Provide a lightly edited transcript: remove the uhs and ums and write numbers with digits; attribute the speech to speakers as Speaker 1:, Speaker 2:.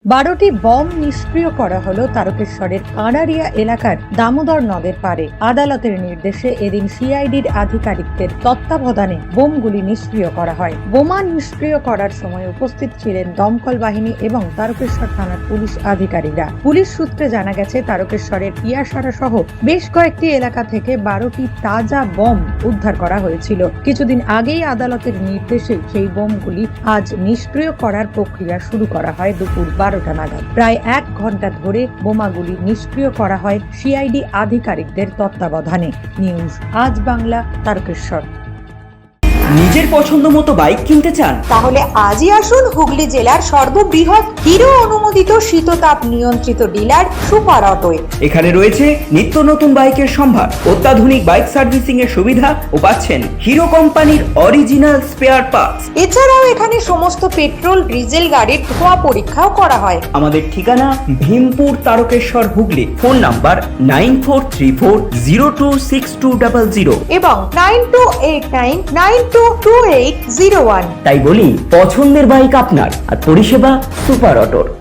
Speaker 1: 12টি bomb নিষ্ক্রিয় করা হলো তারকেশ্বরের কাঁড়ারিয়া এলাকার দামোদর নদের পারে। আদালতের নির্দেশে এদিন সিআইডির আধিকারিকদের তত্ত্বাবধানে বোমগুলি নিষ্ক্রিয় করা হয়। বোমা নিষ্ক্রিয় করার সময় উপস্থিত ছিলেন দমকল বাহিনী এবং তারকেশ্বর থানার পুলিশ আধিকারিকরা। পুলিশ সূত্রে জানা গেছে, তারকেশ্বরের পিয়াসারা সহ বেশ কয়েকটি এলাকা থেকে 12টি তাজা বম উদ্ধার করা হয়েছিল। কিছুদিন আগেই আদালতের নির্দেশে সেই বোমগুলি আজ নিষ্ক্রিয় করার প্রক্রিয়া শুরু করা হয় দুপুর 12টা নাগাদ। প্রায় 1 ঘন্টা ধরে বোমাগুলি নিষ্ক্রিয় করা হয় সিআইডি আধিকারিকদের তত্ত্বাবধানে। নিউজ আজ বাংলা, তারকেশ্বর।
Speaker 2: নিজের পছন্দ মতো বাইক কিনতে চান?
Speaker 3: তাহলে আজই আসুন হুগলি জেলার সর্ববৃহৎ হিরো অনুমোদিত শীততাপ নিয়ন্ত্রিত ডিলার সুপার অটোয়।
Speaker 2: এখানে রয়েছে নিত্য নতুন বাইকের সম্ভার, অত্যাধুনিক বাইক সার্ভিসিং এর সুবিধা ও পাচ্ছেন হিরো কোম্পানির অরিজিনাল স্পেয়ার পার্টস।
Speaker 3: এছাড়াও এখানে সমস্ত পেট্রোল ডিজেল গাড়ির ধোঁয়া পরীক্ষাও করা হয়।
Speaker 2: আমাদের ঠিকানা ভীমপুর, তারকেশ্বর, হুগলি। ফোন নাম্বার 9434026200
Speaker 3: এবং 9289922801।
Speaker 2: তাই বলি, পছন্দের বাইক আপনার আর পরিষেবা সুপার অটোর।